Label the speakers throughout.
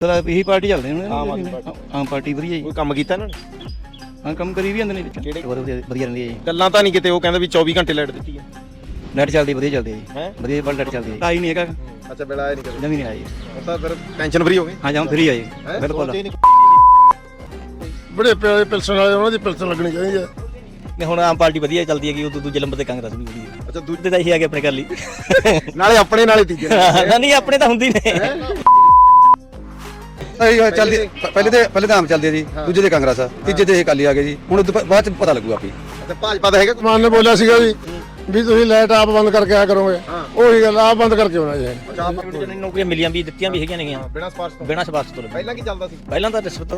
Speaker 1: ਇਹੀ ਪਾਰਟੀ ਚੱਲਦੇ ਹੁਣ
Speaker 2: ਆਮ
Speaker 1: ਪਾਰਟੀ ਵਧੀਆ ਜੀ।
Speaker 2: ਕੋਈ ਕੰਮ ਕੀਤਾ ਇਹਨਾਂ ਨੇ?
Speaker 1: ਹਾਂ ਕੰਮ ਕਰੀ ਵੀ ਜਾਂਦੇ ਨੇ ਵਿੱਚ ਵਧੀਆ ਰਹਿੰਦੀ ਹੈ ਜੀ।
Speaker 2: ਗੱਲਾਂ ਤਾਂ ਨਹੀਂ ਕਿਤੇ ਉਹ ਕਹਿੰਦੇ ਵੀ 24 ਘੰਟੇ ਲਾਈਟ ਦਿੱਤੀ ਹੈ।
Speaker 1: ਲਾਈਟ ਚੱਲਦੀ ਵਧੀਆ ਚੱਲਦੀ ਹੈ ਜੀ।
Speaker 2: ਹੈ
Speaker 1: ਵਧੀਆ ਬਲ ਲਾਈਟ ਚੱਲਦੀ ਹੈ। ਆਈ ਨਹੀਂ ਹੈਗਾ।
Speaker 2: ਅੱਛਾ ਬਿਲ ਆਇਆ ਨਹੀਂ ਕਦੇ?
Speaker 1: ਜਮੀ ਨਹੀਂ ਆਈ।
Speaker 2: ਉਹ ਤਾਂ ਫਿਰ ਟੈਨਸ਼ਨ ਫਰੀ ਹੋ ਗਏ।
Speaker 1: ਹਾਂ ਜਾਂ ਫਰੀ ਆ ਜੀ ਬਿਲਕੁਲ।
Speaker 3: ਬੜੇ ਪਿਆਰੇ ਪਿਲਸਣ ਵਾਲੇ ਉਹਨਾਂ ਦੀ ਪਿਲਸਣ ਲੱਗਣੀ ਚਾਹੀਦੀ ਹੈ।
Speaker 4: ਨੇ ਹੁਣ ਆਮ ਪਾਰਟੀ ਵਧੀਆ ਚੱਲਦੀ ਹੈਗੀ, ਉਹ ਦੂਜੇ ਨੰਬਰ ਤੇ ਕਾਂਗਰਸ ਵੀ ਵਧੀਆ।
Speaker 2: ਅੱਛਾ
Speaker 4: ਦੂਜੇ ਤਾਂ ਇਹੀ ਆ ਗਏ ਆਪਣੇ ਕਰ ਲਈ
Speaker 2: ਨਾਲੇ ਆਪਣੇ ਨਾਲੇ ਤੀਜੇ
Speaker 4: ਨਹੀਂ ਆਪਣੇ ਤਾਂ ਹੁੰਦੀ ਨੇ।
Speaker 5: ਚੱਲਦੀ ਪਹਿਲੇ ਤਾਂ ਆਮ ਚੱਲਦੀ ਹੈ ਜੀ, ਦੂਜੇ ਤੇ ਕਾਂਗਰਸ ਆ, ਤੀਜੇ ਤੇ ਇਹ ਅਕਾਲੀ ਆ ਗਏ ਜੀ। ਹੁਣ ਬਾਅਦ ਚ ਪਤਾ ਲੱਗੂ ਆਪੀ।
Speaker 2: ਅੱਛਾ ਭਾਜਪਾ ਦਾ ਹੈਗਾ?
Speaker 3: ਮਾਨ ਨੇ ਬੋਲਿਆ ਸੀਗਾ ਵੀ ਤੁਸੀਂ ਲਾਈਟ ਆਪ ਬੰਦ ਕਰਕੇ ਆਇਆ ਕਰੋਗੇ। ਉਹੀ ਗੱਲ ਆਪ ਬੰਦ ਕਰਕੇ ਆਉਣਾ ਜੀ।
Speaker 4: ਜਿਹਨਾਂ ਨੌਕਰੀਆਂ ਮਿਲੀਆਂ ਵੀ ਦਿੱਤੀਆਂ ਵੀ ਹੈਗੀਆਂ ਨੇਗੀਆਂ
Speaker 2: ਬਿਨਾਂ ਸਪਾਰਸ਼ ਤੋਂ?
Speaker 4: ਬਿਨਾਂ ਸਿਫਾਰਸ਼ ਤੋਂ।
Speaker 2: ਪਹਿਲਾਂ ਕੀ ਚੱਲਦਾ ਸੀ?
Speaker 4: ਪਹਿਲਾਂ ਤਾਂ ਰਿਸ਼ਵਤ।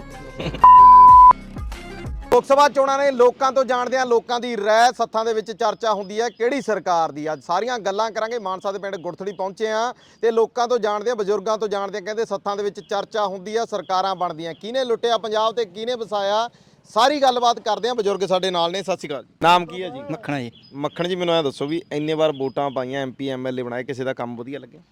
Speaker 2: ਲੋਕ ਸਭਾ ਚੋਣਾਂ ਨੇ ਲੋਕਾਂ ਤੋਂ ਜਾਣਦੇ ਆ ਲੋਕਾਂ ਦੀ ਰਾਏ। ਸੱਥਾਂ ਦੇ ਵਿੱਚ ਚਰਚਾ ਹੁੰਦੀ ਹੈ ਕਿਹੜੀ ਸਰਕਾਰ ਦੀ। ਅੱਜ ਸਾਰੀਆਂ ਗੱਲਾਂ ਕਰਾਂਗੇ। ਮਾਨਸਾ ਦੇ ਪਿੰਡ ਗੁਰਥੜੀ ਪਹੁੰਚੇ ਆ ਤੇ ਲੋਕਾਂ ਤੋਂ ਜਾਣਦੇ ਆ, ਬਜ਼ੁਰਗਾਂ ਤੋਂ ਜਾਣਦੇ ਆ। ਕਹਿੰਦੇ ਸੱਥਾਂ ਦੇ ਵਿੱਚ ਚਰਚਾ ਹੁੰਦੀ ਆ, ਸਰਕਾਰਾਂ ਬਣਦੀਆਂ, ਕਿਹਨੇ ਲੁੱਟਿਆ ਪੰਜਾਬ ਤੇ ਕਿਹਨੇ ਵਸਾਇਆ। ਸਾਰੀ ਗੱਲਬਾਤ ਕਰਦੇ ਆ। ਬਜ਼ੁਰਗ ਸਾਡੇ ਨਾਲ ਨੇ। ਸਤਿ ਸ਼੍ਰੀ ਅਕਾਲ। ਨਾਮ ਕੀ ਹੈ ਜੀ?
Speaker 1: ਮੱਖਣਾ ਜੀ।
Speaker 2: ਮੱਖਣ ਜੀ ਮੈਨੂੰ ਇਹ ਦੱਸੋ ਵੀ ਇੰਨੇ ਵਾਰ ਵੋਟਾਂ ਪਾਈਆਂ, ਐਮਪੀ ਐਮਐਲਏ ਬਣਾਏ, ਕਿਸੇ ਦਾ ਕੰਮ ਵਧੀਆ ਲੱਗਿਆ?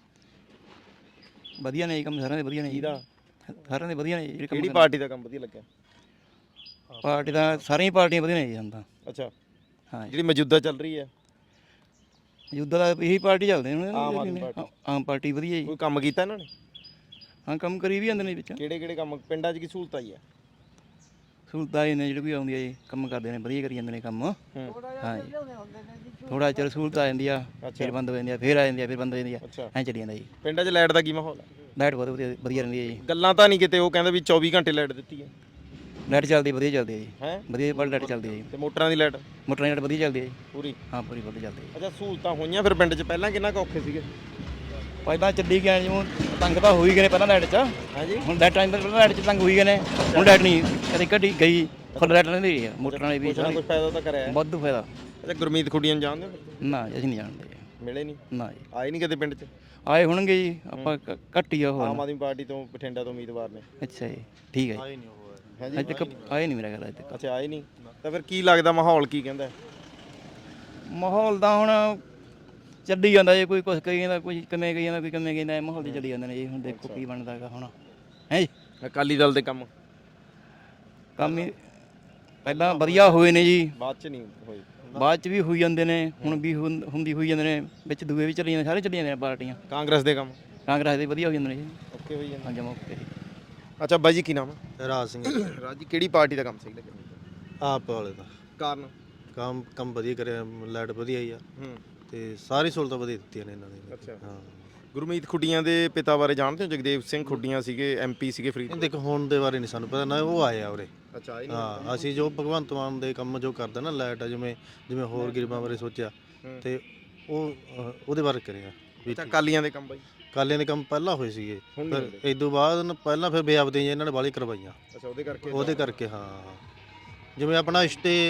Speaker 1: ਵਧੀਆ ਨੇ ਜੀ ਕੰਮ, ਸਾਰਿਆਂ ਦੇ ਵਧੀਆ ਨੇ ਜੀ। ਸਾਰਿਆਂ ਦੇ ਵਧੀਆ ਨੇ ਜੀ।
Speaker 2: ਕਿਹੜੀ ਪਾਰਟੀ ਦਾ ਕੰਮ ਵਧੀਆ ਲੱਗਿਆ?
Speaker 1: ਪਾਰਟੀ ਦਾ ਸਾਰੀਆਂ ਪਾਰਟੀਆਂ ਵਧੀਆ ਨੇ ਜੀ ਹੁਣ ਤਾਂ।
Speaker 2: ਅੱਛਾ
Speaker 1: ਹਾਂ
Speaker 2: ਜਿਹੜੀ ਮੌਜੂਦਾ ਚੱਲ ਰਹੀ ਹੈ
Speaker 1: ਯੁੱਧ ਦਾ ਇਹੀ ਪਾਰਟੀ ਚੱਲਦੇ ਹੁਣ
Speaker 2: ਆਮ
Speaker 1: ਆਮ ਪਾਰਟੀ ਵਧੀਆ ਜੀ।
Speaker 2: ਕੋਈ ਕੰਮ ਕੀਤਾ ਇਹਨਾਂ ਨੇ?
Speaker 1: ਹਾਂ ਕੰਮ ਕਰੀ ਵੀ ਜਾਂਦੇ ਨੇ ਵਿੱਚ।
Speaker 2: ਕਿਹੜੇ ਕੰਮ ਪਿੰਡਾਂ 'ਚ ਕੀ ਸਹੂਲਤ ਆਈ ਹੈ?
Speaker 1: ਸਹੂਲਤਾਂ ਇਹ ਨੇ ਜਿਹੜੀ ਵੀ ਆਉਂਦੀ ਹੈ ਜੀ, ਕੰਮ ਕਰਦੇ ਨੇ ਵਧੀਆ ਕਰੀ ਜਾਂਦੇ ਨੇ ਕੰਮ। ਹਾਂ ਜੀ ਥੋੜਾ ਚਿਰ ਸਹੂਲਤ ਆ ਜਾਂਦੀ ਆ, ਫਿਰ ਬੰਦ ਹੋ ਜਾਂਦੀ ਆ, ਫਿਰ ਆ ਜਾਂਦੀ ਆ, ਫਿਰ ਬੰਦ ਹੋ ਜਾਂਦੀ ਆ, ਐਂ ਚੱਲੀ ਜਾਂਦਾ ਜੀ।
Speaker 2: ਪਿੰਡਾਂ 'ਚ ਲਾਈਟ ਦਾ ਕੀ ਮਾਹੌਲ ਹੈ?
Speaker 1: ਲਾਈਟ ਬਹੁਤ ਵਧੀਆ ਰਹਿੰਦੀ ਹੈ ਜੀ।
Speaker 2: ਗੱਲਾਂ ਤਾਂ ਨਹੀਂ ਕਿਤੇ ਉਹ ਕਹਿੰਦੇ ਵੀ 24 ਘੰਟੇ ਲਾਈਟ ਦਿੱਤੀ ਹੈ।
Speaker 1: ਲਾਈਟ ਚੱਲਦੀ ਵਧੀਆ ਚੱਲਦੀ ਹੈ ਜੀ।
Speaker 2: ਹੈ
Speaker 1: ਵਧੀਆ ਬਲ ਲਾਈਟ ਚੱਲਦੀ ਹੈ ਜੀ।
Speaker 2: ਤੇ ਮੋਟਰਾਂ ਦੀ ਲਾਈਟ?
Speaker 1: ਮੋਟਰਾਂ ਦੀ ਲਾਈਟ ਵਧੀਆ ਚੱਲਦੀ ਹੈ ਜੀ
Speaker 2: ਪੂਰੀ?
Speaker 1: ਹਾਂ ਪੂਰੀ ਵਧੀਆ ਚੱਲਦੀ ਹੈ।
Speaker 2: ਅੱਛਾ ਸਹੂਲਤਾਂ ਹੋਈਆਂ ਫਿਰ ਪਿੰਡ 'ਚ ਪਹਿਲਾਂ ਕਿੰਨਾ ਕੁ ਔਖੇ ਸੀਗੇ?
Speaker 1: ਪਹਿਲਾਂ ਚੱਲੀ ਗਏ ਜਿਵੇਂ ਤੰਗ ਤਾਂ ਹੋਈ ਗਏ ਨੇ ਪਹਿਲਾਂ ਲਾਈਟ 'ਚ।
Speaker 2: ਹਾਂਜੀ
Speaker 1: ਹੁਣ ਲਾਈਟ ਟਾਈਮ ਪਹਿਲਾਂ ਲਾਈਟ 'ਚ ਤੰਗ ਹੋਈ ਗਏ ਨੇ। ਹੁਣ ਲਾਈਟ ਨਹੀਂ ਕਦੇ ਘਟੀ ਗਈ, ਫੁੱਲ ਲਾਈਟ ਰਹਿੰਦੀ ਰਹੀ ਹੈ। ਮੋਟਰਾਂ ਵਾਲੀ ਵੀ
Speaker 2: ਕੁਛ ਫਾਇਦਾ ਤਾਂ ਕਰਿਆ?
Speaker 1: ਵਾਧੂ ਫਾਇਦਾ।
Speaker 2: ਅੱਛਾ ਗੁਰਮੀਤ ਖੁੱਡੀਆਂ ਨੂੰ ਜਾਣਦੇ ਹੋ?
Speaker 1: ਨਾ ਅਸੀਂ ਨਹੀਂ ਜਾਣਦੇ।
Speaker 2: ਮਿਲੇ ਨਹੀਂ?
Speaker 1: ਨਾ ਜੀ
Speaker 2: ਆਏ ਨਹੀਂ ਕਦੇ ਪਿੰਡ 'ਚ?
Speaker 1: ਆਏ ਹੋਣਗੇ ਜੀ, ਆਪਾਂ ਘੱਟ ਹੀ ਆ ਉਹ।
Speaker 2: ਆਮ ਆਦਮੀ ਪਾਰਟੀ ਤੋਂ ਬਠਿੰਡਾ ਤੋਂ ਉਮੀਦਵਾਰ ਨੇ।
Speaker 1: ਅੱਛਾ ਜੀ ਠੀਕ ਹੈ ਜੀ। ਅੱਜ ਤੱਕ ਆਏ ਨਹੀਂ ਮੇਰਾ ਖਿਆਲ ਅੱਜ ਤੱਕ।
Speaker 2: ਅੱਛਾ ਆਏ ਨਹੀਂ ਤਾਂ ਫਿਰ ਕੀ ਲੱਗਦਾ ਮਾਹੌਲ ਕੀ ਕਹਿੰਦਾ?
Speaker 1: ਮਾਹੌਲ ਤਾਂ ਹੁਣ ਚੱਲੀ ਜਾਂਦਾ ਜੀ, ਕੋਈ ਕੁਛ ਕਹੀ ਜਾਂਦਾ, ਕੋਈ ਕਿਵੇਂ ਕਹੀ ਜਾਂਦਾ, ਕੋਈ ਕਿਵੇਂ ਕਹਿੰਦਾ। ਮਾਹੌਲ ਤੇ ਚੱਲੀ ਜਾਂਦੇ ਨੇ ਜੀ। ਹੁਣ ਦੇਖੋ ਕੀ ਬਣਦਾ ਹੈਗਾ ਹੁਣ। ਹੈ ਜੀ
Speaker 2: ਅਕਾਲੀ ਦਲ ਦੇ ਕੰਮ
Speaker 1: ਹੀ ਪਹਿਲਾਂ ਵਧੀਆ ਹੋਏ ਨੇ ਜੀ,
Speaker 2: ਬਾਅਦ 'ਚ ਨਹੀਂ ਹੋਏ।
Speaker 1: ਬਾਅਦ 'ਚ ਵੀ ਹੋਈ ਜਾਂਦੇ ਨੇ, ਹੁਣ ਵੀ ਹੁੰਦੀ ਹੋਈ ਜਾਂਦੇ ਨੇ, ਵਿੱਚ ਦੂਏ ਵੀ ਚੱਲੀ ਜਾਂਦੇ, ਸਾਰੇ ਚੱਲੀ ਜਾਂਦੇ ਨੇ ਪਾਰਟੀਆਂ।
Speaker 2: ਕਾਂਗਰਸ ਦੇ ਕੰਮ?
Speaker 1: ਕਾਂਗਰਸ ਦੇ ਵਧੀਆ ਹੋ ਜਾਂਦੇ ਨੇ ਜੀ।
Speaker 2: ਓਕੇ ਹੋਈ ਜਾਂਦੇ।
Speaker 1: ਹਾਂ ਜਮਾ ਓਕੇ ਜੀ।
Speaker 2: ਅੱਛਾ ਬਾਈ ਜੀ ਕੀ ਨਾਮ ਹੈ?
Speaker 6: ਰਾਜ ਸਿੰਘ।
Speaker 2: ਰਾਜ ਜੀ ਕਿਹੜੀ ਪਾਰਟੀ ਦਾ ਕੰਮ ਸਹੀ ਲੱਗਿਆ?
Speaker 6: ਆਪ ਵਾਲੇ ਦਾ
Speaker 2: ਕਾਰਨ?
Speaker 6: ਕੰਮ ਵਧੀਆ ਕਰਿਆ, ਲਾਈਟ ਵਧੀਆ ਹੀ ਆ ਤੇ ਸਾਰੀ ਸਹੂਲਤਾਂ ਵਧੀਆ ਦਿੱਤੀਆਂ ਨੇ ਇਹਨਾਂ ਨੇ।
Speaker 2: ਅੱਛਾ
Speaker 6: ਹਾਂ
Speaker 2: ਗੁਰਮੀਤ ਖੁੱਡੀਆਂ ਦੇ ਪਿਤਾ ਬਾਰੇ ਜਾਣਦੇ ਹੋ? ਜਗਦੇਵ ਸਿੰਘ ਖੁੱਡੀਆਂ ਸੀਗੇ, ਐਮਪੀ ਸੀਗੇ ਫਰੀਦ।
Speaker 6: ਦੇਖੋ ਹੁਣ ਦੇ ਬਾਰੇ ਨਹੀਂ ਸਾਨੂੰ ਪਤਾ ਨਾ, ਉਹ ਆਏ ਆ ਉਰੇ।
Speaker 2: ਅੱਛਾ
Speaker 6: ਹਾਂ ਅਸੀਂ ਜੋ ਭਗਵੰਤ ਮਾਨ ਦੇ ਕੰਮ ਜੋ ਕਰਦਾ ਨਾ ਲਾਈਟ ਜਿਵੇਂ ਹੋਰ ਗਰੀਬਾਂ ਬਾਰੇ ਸੋਚਿਆ ਤੇ ਉਹ ਉਹਦੇ ਬਾਰੇ ਕਰਿਆ।
Speaker 2: ਅੱਛਾ ਕਾਲੀਆਂ ਦੇ ਕੰਮ ਬਾਈ?
Speaker 6: ਕਾਲਿਆਂ ਦੇ ਕੰਮ ਪਹਿਲਾਂ ਹੋਏ ਸੀਗੇ, ਫਿਰ ਇਸ ਤੋਂ ਬਾਅਦ ਪਹਿਲਾਂ ਫਿਰ ਬੇਅਬਦੀ ਇਹਨਾਂ ਨੇ ਬਾਹਲੀ ਕਰਵਾਈਆਂ।
Speaker 2: ਅੱਛਾ ਉਹਦੇ ਕਰਕੇ
Speaker 6: ਹਾਂ ਜਿਵੇਂ ਆਪਣਾ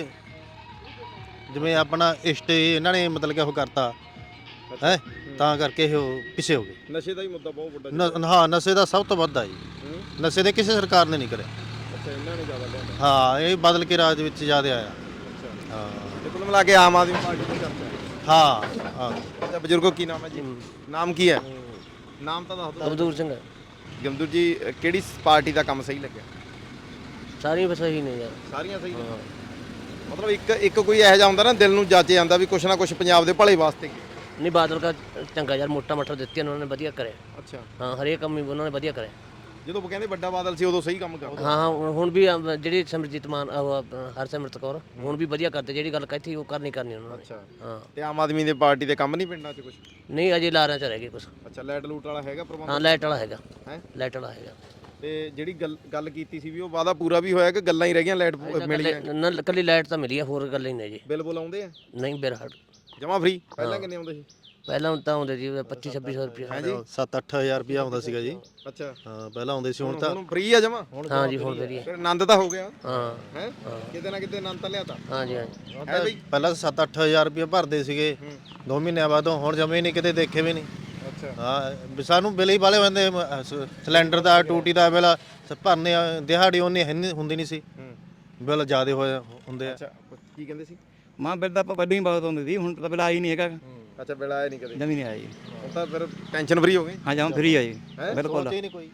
Speaker 6: ਇਸ਼ਟੇ ਇਹਨਾਂ ਨੇ ਮਤਲਬ ਕਿ ਉਹ ਕਰਤਾ ਹੈ, ਤਾਂ ਕਰਕੇ ਉਹ ਪਿੱਛੇ ਹੋ ਗਏ।
Speaker 2: ਨਸ਼ੇ ਦਾ ਹੀ ਮੁੱਦਾ ਬਹੁਤ ਵੱਡਾ।
Speaker 6: ਹਾਂ ਨਸ਼ੇ ਦਾ ਸਭ ਤੋਂ ਵੱਧ ਆ ਜੀ। ਨਸ਼ੇ ਦੇ ਕਿਸੇ ਸਰਕਾਰ ਨੇ ਨਹੀਂ ਕਰਿਆ।
Speaker 2: ਅੱਛਾ ਇਹਨਾਂ ਨੇ ਜ਼ਿਆਦਾ ਲਿਆਂਦਾ।
Speaker 6: ਹਾਂ ਇਹ ਬਦਲ ਕੇ ਰਾਜ ਵਿੱਚ ਜ਼ਿਆਦਾ ਆਇਆ।
Speaker 2: ਅੱਛਾ
Speaker 6: ਹਾਂ
Speaker 2: ਤੇ ਕੁੱਲ ਮਿਲਾ ਕੇ ਆਮ ਆਦਮੀ ਪਾਰਟੀ ਦੀ ਚਰਚਾ ਹੈ।
Speaker 6: ਹਾਂ
Speaker 2: ਅੱਛਾ ਬਜ਼ੁਰਗੋ ਕੀ ਨਾਮ ਹੈ ਜੀ? ਨਾਮ ਕੀ ਹੈ? ਨਾਮ ਤਾਂ ਦੱਸ ਦਿਓ।
Speaker 7: ਅਬਦੂਰ ਸਿੰਘ।
Speaker 2: ਗਮਦੂਰ ਜੀ ਕਿਹੜੀ ਪਾਰਟੀ ਦਾ ਕੰਮ ਸਹੀ ਲੱਗਿਆ?
Speaker 7: ਸਾਰੀਆਂ ਬਸ ਸਹੀ ਨੇ ਯਾਰ।
Speaker 2: ਸਾਰੀਆਂ ਸਹੀ ਨੇ? ਮਤਲਬ ਇੱਕ ਕੋਈ ਇਹੋ ਜਿਹਾ ਹੁੰਦਾ ਨਾ ਦਿਲ ਨੂੰ ਜਾਚੇ ਜਾਂਦਾ ਵੀ ਕੁਛ ਨਾ ਕੁਛ ਪੰਜਾਬ ਦੇ ਭਲੇ ਵਾਸਤੇ।
Speaker 7: ਨਹੀਂ ਬਾਦਲ ਦਾ ਚੰਗਾ ਯਾਰ, ਮੋਟਾ ਮਟਰ ਦਿੱਤੀ ਉਹਨਾਂ ਨੇ, ਵਧੀਆ ਕਰਿਆ।
Speaker 2: ਅੱਛਾ
Speaker 7: ਹਾਂ ਹਰੇਕ ਕੰਮ ਹੀ ਉਹਨਾਂ ਨੇ ਵਧੀਆ ਕਰਿਆ।
Speaker 2: ਜਦੋਂ ਕਹਿੰਦੇ ਵੱਡਾ ਬਾਦਲ ਸੀ ਉਦੋਂ ਸਹੀ ਕੰਮ ਕਰਦਾ।
Speaker 7: ਹਾਂ ਹੁਣ ਵੀ ਜਿਹੜੀ ਸਿਮਰਜੀਤ ਮਾਨ ਹਰਸਿਮਰਤ ਕੌਰ ਹੁਣ ਵੀ ਵਧੀਆ ਕਰਦੇ, ਜਿਹੜੀ ਗੱਲ ਕਹੀ ਉਹ ਕਰਨੀ ਉਹਨਾਂ ਨੇ।
Speaker 2: ਅੱਛਾ
Speaker 7: ਹਾਂ
Speaker 2: ਤੇ ਆਮ ਆਦਮੀ ਦੇ ਪਾਰਟੀ ਦੇ ਕੰਮ ਨਹੀਂ ਪਿੰਡਾਂ 'ਚ ਕੁਛ?
Speaker 7: ਨਹੀਂ ਅਜੇ ਲਾਰਿਆਂ 'ਚ ਰਹਿ ਗਏ ਕੁਛ।
Speaker 2: ਅੱਛਾ ਲਾਈਟ ਲੂਟ ਵਾਲਾ ਹੈਗਾ ਪ੍ਰਬੰਧ?
Speaker 7: ਹਾਂ ਲਾਈਟ ਵਾਲਾ ਹੈਗਾ।
Speaker 2: ਹੈ
Speaker 7: ਲਾਈਟ ਵਾਲਾ ਹੈਗਾ।
Speaker 2: ਤੇ ਜਿਹੜੀ ਗੱਲ ਕੀਤੀ ਸੀ ਵੀ ਉਹ ਵਾਅਦਾ ਪੂਰਾ ਵੀ ਹੋਇਆ ਕਿ ਗੱਲਾਂ ਹੀ ਰਹਿ ਗਈਆਂ? ਲਾਈਟ ਮਿਲੀ ਹੈ?
Speaker 7: ਨਾ ਕੱਲੀ ਲਾਈਟ ਤਾਂ ਮਿਲੀ ਆ, ਹੋਰ ਗੱਲ ਹੀ ਨਹੀਂ ਜੀ।
Speaker 2: ਬਿੱਲ ਬੁਲ ਆਉਂਦੇ ਆ?
Speaker 7: ਨਹੀਂ ਬਿਰਹਟ
Speaker 2: ਜਮਾ ਫ੍ਰੀ? ਪਹਿਲਾਂ ਕਿੰਨੇ ਆਉਂਦੇ ਸੀ?
Speaker 7: ਪਹਿਲਾਂ ਤਾਂ ਆਉਂਦੇ ਜੀ 25-2600 ਰੁਪਏ।
Speaker 2: ਹਾਂਜੀ
Speaker 6: 7-8000 ਰੁਪਇਆ ਆਉਂਦਾ ਸੀਗਾ ਜੀ।
Speaker 2: ਅੱਛਾ
Speaker 6: ਹਾਂ ਪਹਿਲਾਂ ਆਉਂਦੇ ਸੀ, ਹੁਣ ਤਾਂ
Speaker 2: ਫ੍ਰੀ ਆ ਜਮਾ?
Speaker 7: ਹਾਂ ਜੀ ਹੁਣ ਵਧੀਆ।
Speaker 2: ਫਿਰ ਆਨੰਦ ਤਾਂ ਹੋ ਗਿਆ?
Speaker 7: ਹਾਂ
Speaker 2: ਹੈ ਕਿਤੇ ਨਾ ਕਿਤੇ ਆਨੰਦ ਤਾਂ ਲਿਆਤਾ?
Speaker 7: ਹਾਂ ਜੀ ਹਾਂਜੀ।
Speaker 2: ਹੈ ਬਈ
Speaker 6: ਪਹਿਲਾਂ 7-8000 ਰੁਪਇਆ ਭਰਦੇ ਸੀਗੇ 2 ਮਹੀਨਿਆਂ ਬਾਅਦ, ਹੁਣ ਜਮੇ ਨਹੀਂ ਕਿਤੇ ਦੇਖੇ ਵੀ ਨਹੀਂ।
Speaker 2: ਅੱਛਾ
Speaker 6: ਹਾਂ ਸਾਨੂੰ ਬਿੱਲ ਹੀ ਵਾਲੇ ਹੁੰਦੇ, ਸਿਲੰਡਰ ਦਾ ਟੂਟੀ ਦਾ ਬਿੱਲ ਭਰਨੇ ਦਿਹਾੜੀ ਉਹਨੇ ਹੁੰਦੀ ਨਹੀਂ ਸੀ, ਬਿੱਲ ਜ਼ਿਆਦਾ ਹੁੰਦੇ ਆ।
Speaker 2: ਅੱਛਾ ਕੀ ਕਹਿੰਦੇ ਸੀ?
Speaker 1: ਮਾਂ ਬਿੱਲ ਤਾਂ ਆਪਾਂ ਪਹਿਲਾਂ ਹੀ ਬਹੁਤ ਆਉਂਦੀ ਸੀ, ਹੁਣ ਤਾਂ ਬਿੱਲ ਆਈ ਨਹੀਂ ਹੈਗਾ।
Speaker 2: ਅੱਛਾ ਬਿੱਲ ਆਇਆ ਨਹੀਂ ਕਦੇ?
Speaker 1: ਜਮੀ ਨਹੀਂ ਆਈ।
Speaker 2: ਹੁਣ ਤਾਂ ਫਿਰ ਟੈਨਸ਼ਨ ਫਰੀ ਹੋ ਗਏ?
Speaker 1: ਹਾਂ ਜਮਾ ਫਰੀ ਆ ਜੀ
Speaker 2: ਹੈਂ?
Speaker 1: ਬਿਲਕੁਲ।
Speaker 6: ਸੋਚੇ ਨਹੀਂ ਕੋਈ।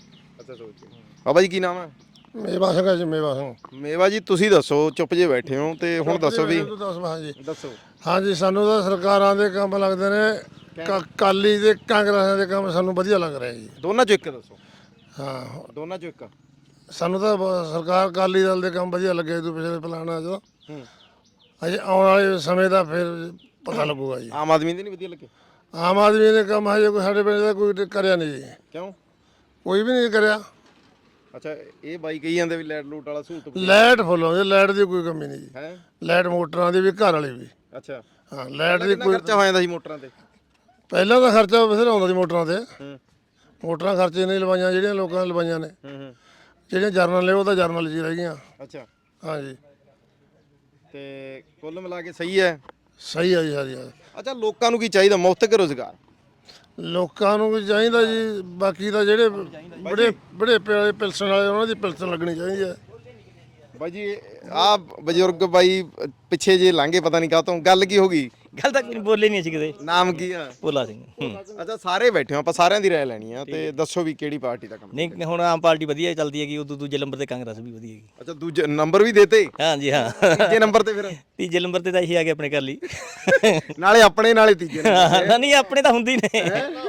Speaker 2: ਅੱਛਾ ਸੋਚ ਬਾਬਾ ਜੀ ਕੀ ਨਾਮ ਹੈ?
Speaker 3: ਮੇਵਾ ਸਿੰਘ ਹੈ ਜੀ, ਮੇਵਾ ਸਿੰਘ।
Speaker 2: ਮੇਵਾ ਜੀ ਤੁਸੀਂ ਦੱਸੋ, ਚੁੱਪ ਜੇ ਬੈਠੇ ਹੋ ਤੇ ਹੁਣ ਦੱਸੋ ਵੀ
Speaker 3: ਹਾਂਜੀ
Speaker 2: ਦੱਸੋ।
Speaker 3: ਹਾਂਜੀ, ਸਾਨੂੰ ਤਾਂ ਸਰਕਾਰਾਂ ਦੇ ਕੰਮ ਲੱਗਦੇ ਨੇ, ਕਾਲੀ ਤੇ ਕਾਂਗਰਸ ਦੇ ਕੰਮ ਸਾਨੂੰ ਵਧੀਆ ਲੱਗ ਰਿਹਾ ਜੀ।
Speaker 2: ਦੋਨਾਂ ਚੋਂ ਇੱਕ ਦੱਸੋ।
Speaker 3: ਹਾਂ,
Speaker 2: ਦੋਨਾਂ ਚੋਂ ਇੱਕ।
Speaker 3: ਸਾਨੂੰ ਤਾਂ ਸਰਕਾਰ ਅਕਾਲੀ ਦਲ ਦੇ ਕੰਮ ਵਧੀਆ ਲੱਗੇ ਤੋਂ ਪਿਛਲੇ ਪਲਾਨਾਂ 'ਚ। ਅਜੇ ਆਉਣ ਵਾਲੇ ਸਮੇਂ ਦਾ ਫਿਰ ਪਤਾ ਲੱਗੂਗਾ ਜੀ।
Speaker 2: ਆਮ ਆਦਮੀ ਦੇ ਨਹੀਂ ਵਧੀਆ ਲੱਗੇ?
Speaker 3: ਆਮ ਆਦਮੀ ਦੇ ਕੰਮ ਹਜੇ ਕੋਈ ਸਾਡੇ ਪਿੰਡ ਦਾ ਕੋਈ ਕਰਿਆ ਨਹੀਂ ਜੀ,
Speaker 2: ਕਿਉਂ?
Speaker 3: ਕੋਈ ਵੀ ਨਹੀਂ ਕਰਿਆ।
Speaker 2: ਅੱਛਾ, ਇਹ ਬਾਈ ਕਹੀ ਜਾਂਦੇ ਵੀ ਲਾਈਟ ਲੂਟ ਵਾਲਾ ਸਹੂਲਤ
Speaker 3: ਲਾਈਟ ਫੁੱਲ ਆਉਂਦੀ, ਲਾਈਟ ਦੀ ਕੋਈ ਕਮੀ ਨਹੀਂ ਜੀ।
Speaker 2: ਹੈ।
Speaker 3: ਲਾਈਟ ਮੋਟਰਾਂ ਦੀ ਵੀ, ਘਰ ਵਾਲੀ ਵੀ।
Speaker 2: ਅੱਛਾ,
Speaker 3: ਹਾਂ, ਲਾਈਟ ਦੀ
Speaker 2: ਕਿੰਨਾ
Speaker 3: ਕੋਈ
Speaker 2: ਖਰਚਾ ਹੋ ਜਾਂਦਾ ਸੀ ਮੋਟਰਾਂ ਤੇ?
Speaker 3: ਪਹਿਲਾਂ ਤਾਂ ਖਰਚਾ ਬਥੇਰਾ ਆਉਂਦਾ ਸੀ ਮੋਟਰਾਂ ਤੇ। ਮੋਟਰਾਂ ਖਰਚੇ ਨਹੀਂ ਲਵਾਈਆਂ ਜਿਹੜੀਆਂ ਲੋਕਾਂ ਨੇ ਲਵਾਈਆਂ ਨੇ। ਜਿਹੜੀਆਂ ਜਰਨਲ ਨੇ ਉਹ ਤਾਂ ਜਰਨਲ 'ਚ ਹੀ ਰਹਿ ਗਈਆਂ।
Speaker 2: ਅੱਛਾ,
Speaker 3: ਹਾਂਜੀ,
Speaker 2: ਤੇ ਕੁੱਲ ਮਿਲਾ ਕੇ ਸਹੀ ਹੈ।
Speaker 3: ਸਹੀ ਆ ਜੀ, ਸਾਰੀ ਆ।
Speaker 2: ਅੱਛਾ, ਲੋਕਾਂ ਨੂੰ ਕੀ ਚਾਹੀਦਾ? ਮੁਫਤ ਕੇ ਰੋਜ਼ਗਾਰ?
Speaker 3: ਲੋਕਾਂ ਨੂੰ ਵੀ ਚਾਹੀਦਾ ਜੀ, ਬਾਕੀ ਤਾਂ ਜਿਹੜੇ ਬੜੇ ਪਿਲਸਣ ਵਾਲੇ ਉਹਨਾਂ ਦੀ ਪਿਲਸਣ ਲੱਗਣੀ ਚਾਹੀਦੀ ਹੈ।
Speaker 2: ਬਾਈ ਜੀ ਆ ਬਜ਼ੁਰਗ ਬਾਈ ਪਿੱਛੇ ਜੇ ਲੰਘੇ, ਪਤਾ ਨਹੀਂ ਕਾਹਤੋਂ, ਗੱਲ ਕੀ ਹੋ ਗਈ?
Speaker 4: ਗੱਲ ਤਾਂ ਬੋਲੇ ਨਹੀਂ ਅਸੀਂ ਕਿਤੇ।
Speaker 2: ਨਾਮ ਕੀ ਆ?
Speaker 4: ਭੋਲਾ ਸਿੰਘ।
Speaker 2: ਅੱਛਾ, ਸਾਰੇ ਬੈਠੇ ਹੋ, ਆਪਾਂ ਸਾਰਿਆਂ ਦੀ ਰਾਏ ਲੈਣੀ ਆ ਤੇ ਦੱਸੋ ਵੀ ਕਿਹੜੀ ਪਾਰਟੀ ਦਾ ਕੰਮ?
Speaker 4: ਨਹੀਂ ਹੁਣ ਆਮ ਪਾਰਟੀ ਵਧੀਆ ਚੱਲਦੀ ਹੈਗੀ, ਉਦੋਂ ਦੂਜੇ ਨੰਬਰ ਤੇ ਕਾਂਗਰਸ ਵੀ ਵਧੀਆ ਹੈਗੀ।
Speaker 2: ਅੱਛਾ, ਦੂਜੇ ਨੰਬਰ ਵੀ ਦੇਤੇ?
Speaker 4: ਹਾਂਜੀ ਹਾਂ।
Speaker 2: ਤੀਜੇ ਨੰਬਰ ਤੇ ਫਿਰ?
Speaker 4: ਤੀਜੇ ਨੰਬਰ ਤੇ ਤਾਂ ਇਹੀ ਆ ਗਏ ਆਪਣੇ ਘਰ ਲਈ।
Speaker 2: ਨਾਲੇ ਆਪਣੇ ਨਾਲੇ ਤੀਜੇ ਨੰਬਰ
Speaker 4: ਨਹੀਂ ਆਪਣੇ ਤਾਂ ਹੁੰਦੀ ਨੇ।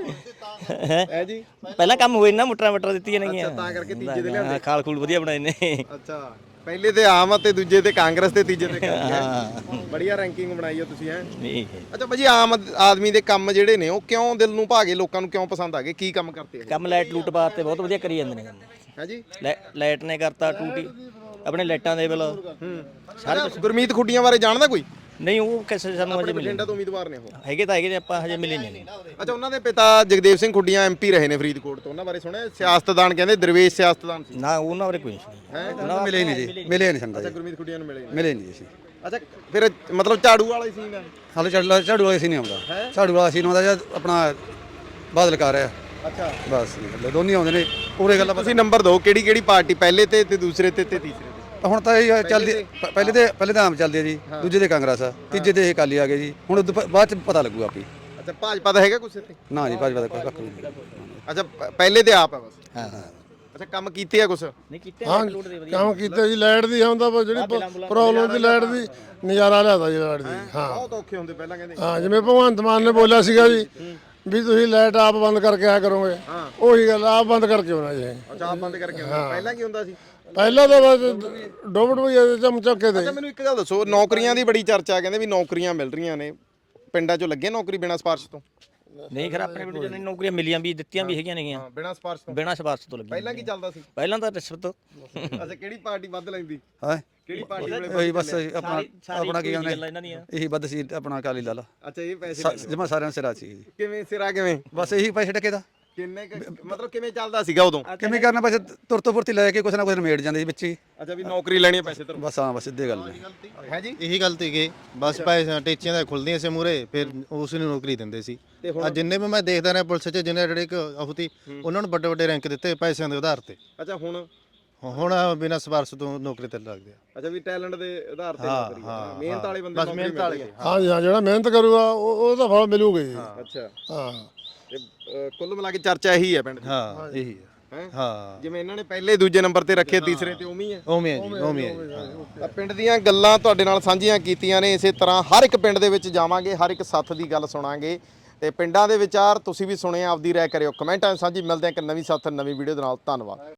Speaker 2: ਹੈ ਜੀ।
Speaker 4: ਪਹਿਲਾਂ ਕੰਮ ਹੋਏ ਨਾ, ਮੋਟਰਾਂ ਦਿੱਤੀਆਂ ਨੇਗੀਆਂ।
Speaker 2: ਤਾਂ ਕਰਕੇ ਤੀਜੇ ਦੇ ਲਿਆਂਦੇ।
Speaker 4: ਖਾਲ ਖੂਲ ਵਧੀਆ ਬਣਾਏ ਨੇ।
Speaker 2: ਅੱਛਾ, ਪਹਿਲੇ ਤੇ ਆਮ ਤੇ ਦੂਜੇ ਤੇ ਕਾਂਗਰਸ ਤੇ ਤੀਜੇ ਤੇ ਕਾਂਗਰਸ। ਬੜੀਆ ਰੈਂਕਿੰਗ ਬਣਾਈ ਆ ਤੁਸੀਂ। ਹੈ
Speaker 4: ਨਹੀਂ
Speaker 2: ਅੱਛਾ ਭਾਜੀ, ਆਮ ਆਦਮੀ ਦੇ ਕੰਮ ਜਿਹੜੇ ਨੇ ਉਹ ਕਿਉਂ ਦਿਲ ਨੂੰ ਭਾਗੇ, ਲੋਕਾਂ ਨੂੰ ਕਿਉਂ ਪਸੰਦ ਆ ਗਏ? ਕੀ ਕੰਮ ਕਰਤੇ
Speaker 4: ਕੰਮ ਲਾਈਟ ਲੂਟ ਬਾਤ ਤੇ ਬਹੁਤ ਵਧੀਆ ਕਰੀ ਜਾਂਦੇ ਨੇ ਕੰਮ।
Speaker 2: ਹੈ ਜੀ।
Speaker 4: ਲਾਈਟ ਨੇ ਕਰਤਾ ਟੂਟੀ, ਆਪਣੇ ਲਾਈਟਾਂ ਦੇ ਬਿੱਲ
Speaker 2: ਸਾਰੇ। ਗੁਰਮੀਤ ਖੁੱਡੀਆਂ ਬਾਰੇ ਜਾਣਦਾ ਕੋਈ?
Speaker 4: ਨਹੀਂ ਉਹ ਕਿਸੇ ਸਾਨੂੰ ਅਜੇ ਮਿਲੇ
Speaker 2: ਬਠਿੰਡਾ ਤੋਂ ਉਮੀਦਵਾਰ ਨੇ ਉਹ।
Speaker 4: ਹੈਗੇ ਤਾਂ ਹੈਗੇ ਨੇ, ਆਪਾਂ ਹਜੇ ਮਿਲੇ ਨਹੀਂ।
Speaker 2: ਅੱਛਾ, ਉਹਨਾਂ ਦੇ ਪਿਤਾ ਜਗਦੇਵ ਸਿੰਘ ਖੁੱਡੀਆਂ ਐਮਪੀ ਰਹੇ ਨੇ ਫਰੀਦਕੋਟ ਤੋਂ, ਉਹਨਾਂ ਬਾਰੇ ਸੁਣਿਆ? ਸਿਆਸਤਦਾਨ ਕਹਿੰਦੇ, ਦਰਵੇਸ਼ ਸਿਆਸਤਦਾਨ ਸੀ।
Speaker 4: ਨਾ ਉਹਨਾਂ ਬਾਰੇ ਕੋਈ ਨਹੀਂ ਸੁਣਿਆ।
Speaker 5: ਉਹਨਾਂ ਮਿਲੇ ਨਹੀਂ ਜੀ, ਮਿਲੇ ਨਹੀਂ ਸੰਦਾ
Speaker 2: ਅੱਛਾ,
Speaker 5: ਜੀ,
Speaker 2: ਗੁਰਮੀਤ ਖੁੱਡੀਆਂ ਨੂੰ ਮਿਲੇ ਨਹੀਂ।
Speaker 5: ਮਿਲੇ ਨਹੀਂ ਅਸੀਂ।
Speaker 2: ਅੱਛਾ, ਫਿਰ ਮਤਲਬ ਝਾੜੂ ਵਾਲਾ ਹੀ ਸੀ ਨਾ?
Speaker 5: ਹਾਲੇ ਝਾੜੂ ਵਾਲਾ ਸੀ ਨਹੀਂ ਆਉਂਦਾ, ਝਾੜੂ ਵਾਲਾ ਸੀ ਨਹੀਂ ਆਉਂਦਾ ਜਾਂ ਆਪਣਾ ਬਾਦਲ ਕਰ ਰਿਹਾ।
Speaker 2: ਅੱਛਾ,
Speaker 5: ਬਸ ਨਹੀਂ, ਦੋਨੇ ਆਉਂਦੇ ਨੇ ਪੂਰੇ ਗੱਲਾਂ।
Speaker 2: ਤੁਸੀਂ ਨੰਬਰ ਦਿਓ, ਕਿਹੜੀ ਕਿਹੜੀ ਪਾਰਟੀ ਪਹਿਲੇ ਤੇ ਦੂਸਰੇ ਤੇ ਤੀਸਰੇ ਤੇ?
Speaker 5: ਹੁਣ ਤਾਂ ਇਹ ਚੱਲਦੀ, ਪਹਿਲੇ ਤਾਂ ਆਮ ਚੱਲਦੀ ਹੈ ਜੀ, ਦੂਜੇ ਤੇ ਕਾਂਗਰਸ ਆ, ਤੀਜੇ ਤੇ ਇਹ ਅਕਾਲੀ ਆ ਗਏ ਜੀ। ਹੁਣ ਬਾਅਦ ਚ ਪਤਾ ਲੱਗੂਗਾ ਆਪੀ।
Speaker 2: ਅੱਛਾ, ਭਾਜਪਾ ਦਾ ਹੈਗਾ ਕੁਛ ਇੱਥੇ?
Speaker 5: ਨਾ ਜੀ, ਭਾਜਪਾ ਦਾ ਕੋਈ ਕੱਖ ਨਹੀਂ।
Speaker 2: ਅੱਛਾ, ਪਹਿਲੇ ਤੇ ਆਪ ਹੈ ਬਸ।
Speaker 4: ਹਾਂ
Speaker 2: ਅੱਛਾ, ਕੰਮ ਕੀਤੇ ਆ ਕੁਛ?
Speaker 4: ਨਹੀਂ ਕੀਤੇ
Speaker 3: ਹਾਂ, ਕੰਮ ਕੀਤਾ ਜੀ। ਲਾਈਟ ਦੀ ਹੁੰਦਾ ਜਿਹੜੀ ਪ੍ਰੋਬਲਮ ਦੀ, ਲਾਈਟ ਦੀ ਨਜ਼ਾਰਾ ਲਿਆਦਾ ਜੀ, ਲਾਈਟ ਦੀ। ਹਾਂ,
Speaker 2: ਬਹੁਤ ਔਖੇ ਹੁੰਦੇ ਪਹਿਲਾਂ ਕਹਿੰਦੇ।
Speaker 3: ਹਾਂ, ਜਿਵੇਂ ਭਗਵੰਤ ਮਾਨ ਨੇ ਬੋਲਿਆ ਸੀਗਾ ਜੀ ਵੀ ਤੁਸੀਂ ਲਾਈਟ ਆਪ ਬੰਦ ਕਰਕੇ ਆਇਆ ਕਰੋਗੇ। ਉਹੀ ਗੱਲ, ਆਪ ਬੰਦ ਕਰਕੇ ਆਉਣਾ ਜੀ।
Speaker 2: ਅੱਛਾ, ਆਪ ਬੰਦ ਕਰਕੇ ਆਉਂਦੇ। ਪਹਿਲਾਂ ਕੀ ਹੁੰਦਾ ਸੀ?
Speaker 3: ਪਹਿਲਾਂ ਤਾਂ ਬਸ ਡੋਬਟ ਵੀ ਚਮਚਕੇ ਦੇ।
Speaker 2: ਅੱਛਾ, ਮੈਨੂੰ ਇੱਕ ਗੱਲ ਦੱਸੋ, ਨੌਕਰੀਆਂ ਦੀ ਬੜੀ ਚਰਚਾ, ਕਹਿੰਦੇ ਵੀ ਨੌਕਰੀਆਂ ਮਿਲ ਰਹੀਆਂ ਨੇ ਪਿੰਡਾਂ 'ਚੋਂ, ਲੱਗੇ ਨੌਕਰੀ ਬਿਨਾਂ ਸਿਫਾਰਿਸ਼ ਤੋਂ?
Speaker 4: ਨਹੀਂ ਖਰਾ, ਆਪਣੇ ਪਿੰਡ ਚ ਨੌਕਰੀਆਂ ਮਿਲੀਆਂ ਵੀ, ਦਿੱਤੀਆਂ ਵੀ ਹੈਗੀਆਂ ਨੇਗੀਆਂ
Speaker 2: ਬਿਨਾਂ ਸਿਫਾਰਿਸ਼ ਤੋਂ?
Speaker 4: ਬਿਨਾਂ ਸਿਫਾਰਸ਼ ਤੋਂ ਲੱਗੀਆਂ।
Speaker 2: ਪਹਿਲਾਂ ਕੀ ਚੱਲਦਾ ਸੀ?
Speaker 4: ਪਹਿਲਾਂ ਤਾਂ ਰਿਸ਼ਵਤ।
Speaker 2: ਅੱਛਾ, ਕਿਹੜੀ ਪਾਰਟੀ ਵੱਧ ਲੈਂਦੀ?
Speaker 5: ਹਾਂ,
Speaker 2: ਕਿਹੜੀ ਪਾਰਟੀ ਵੇਲੇ?
Speaker 5: ਉਹੀ ਬਸ ਆਪਣਾ ਕੀ ਕਹਿੰਦੇ,
Speaker 4: ਗੱਲਾਂ ਇਹਨਾਂ ਦੀਆਂ।
Speaker 5: ਇਹੀ ਵੱਧ ਸੀ ਆਪਣਾ ਅਕਾਲੀ ਦਲ।
Speaker 2: ਅੱਛਾ, ਇਹ ਪੈਸੇ
Speaker 5: ਜਮਾ ਸਾਰਿਆਂ ਸਿਰਾ ਸੀ ਜੀ।
Speaker 2: ਕਿਵੇਂ ਸਿਰਾ ਕਿਵੇਂ?
Speaker 5: ਬਸ ਇਹੀ ਪੈਸੇ ਟਕੇ ਦਾ
Speaker 2: ਕਿੰਨੇ ਮਤਲਬ ਕਿਵੇਂ ਚੱਲਦਾ ਸੀਗਾ ਉਦੋਂ?
Speaker 5: ਕਿਵੇਂ ਕਰਨਾ, ਪੈਸੇ ਤੁਰਤੋਂ ਫੁਰਤੀ ਲੈ ਕੇ ਕੁਛ ਨਾ ਕੁਛ ਨਿਮੇੜ ਜਾਂਦੇ ਸੀ ਵਿੱਚ ਹੀ।
Speaker 2: ਅੱਛਾ, ਵੀ ਨੌਕਰੀ ਲੈਣੀ ਹੈ ਪੈਸੇ ਤੋਂ?
Speaker 5: ਬਸ ਹਾਂ, ਬਸ ਸਿੱਧੇ ਗੱਲ
Speaker 2: ਹੈ ਜੀ।
Speaker 6: ਇਹੀ ਗਲਤੀ ਗਈ, ਬਸ ਪੈਸੇ ਟੇਚੀਆਂ ਦਾ ਖੁੱਲਦੀਆਂ ਸੀ ਮੂਰੇ, ਫਿਰ ਉਸ ਨੂੰ ਨੌਕਰੀ ਦਿੰਦੇ ਸੀ। ਆ ਜਿੰਨੇ ਵੀ ਮੈਂ ਦੇਖਦਾ ਰਿਹਾ ਪੁਲਿਸ 'ਚ, ਜਿੰਨੇ ਜਿਹੜੇ ਅਫਤੀ, ਉਹਨਾਂ ਨੂੰ ਵੱਡੇ ਵੱਡੇ ਰੈਂਕ ਦਿੱਤੇ ਪੈਸਿਆਂ ਦੇ ਆਧਾਰ ਤੇ।
Speaker 2: ਅੱਛਾ,
Speaker 6: ਹੁਣ ਬਿਨਾਂ ਸਿਫਾਰਸ਼ ਤੋਂ ਨੌਕਰੀ ਤੇ ਲੱਗਦੇ ਆ।
Speaker 2: ਅੱਛਾ, ਵੀ ਟੈਲੈਂਟ ਦੇ ਆਧਾਰ ਤੇ ਨੌਕਰੀ, ਮਿਹਨਤ ਵਾਲੇ ਬੰਦੇ
Speaker 6: ਬਸ ਮਿਹਨਤ ਵਾਲੇ।
Speaker 3: ਹਾਂ ਜੀ, ਹਾਂ, ਜਿਹੜਾ ਮਿਹਨਤ ਕਰੂਗਾ ਉਹਦਾ ਫਲ ਮਿਲੂਗਾ ਜੀ।
Speaker 2: ਅੱਛਾ,
Speaker 3: ਹਾਂ,
Speaker 2: ਕੁੱਲ ਮਿਲਾ ਕੇ ਚਰਚਾ ਇਹੀ ਹੈ ਪਿੰਡ ਦੀ।
Speaker 6: ਹਾਂ, ਇਹੀ
Speaker 2: ਹੈਂ?
Speaker 6: ਹਾਂ,
Speaker 2: ਜਿਵੇਂ ਇਹਨਾਂ ਨੇ ਪਹਿਲੇ ਦੂਜੇ ਨੰਬਰ ਤੇ ਰੱਖੇ, ਤੀਸਰੇ ਤੇ ਉਵੇਂ ਹੀ ਹੈ।
Speaker 6: ਉਵੇਂ ਹੈ ਜੀ, ਉਵੇਂ ਹੈ ਜੀ।
Speaker 2: ਤਾਂ ਪਿੰਡ ਦੀਆਂ ਗੱਲਾਂ ਤੁਹਾਡੇ ਨਾਲ ਸਾਂਝੀਆਂ ਕੀਤੀਆਂ ਨੇ। ਇਸੇ ਤਰ੍ਹਾਂ ਹਰ ਇੱਕ ਪਿੰਡ ਦੇ ਵਿੱਚ ਜਾਵਾਂਗੇ, ਹਰ ਇੱਕ ਸੱਥ ਦੀ ਗੱਲ ਸੁਣਾਂਗੇ ਤੇ ਪਿੰਡਾਂ ਦੇ ਵਿਚਾਰ ਤੁਸੀਂ ਵੀ ਸੁਣੇ, ਆਪਦੀ ਰਾਏ ਕਰਿਓ ਕਮੈਂਟਾਂ ਸਾਂਝੀ। ਮਿਲਦੇ ਹਾਂ ਇੱਕ ਨਵੀਂ ਸੱਥ, ਨਵੀਂ ਵੀਡੀਓ ਦੇ ਨਾਲ। ਧੰਨਵਾਦ।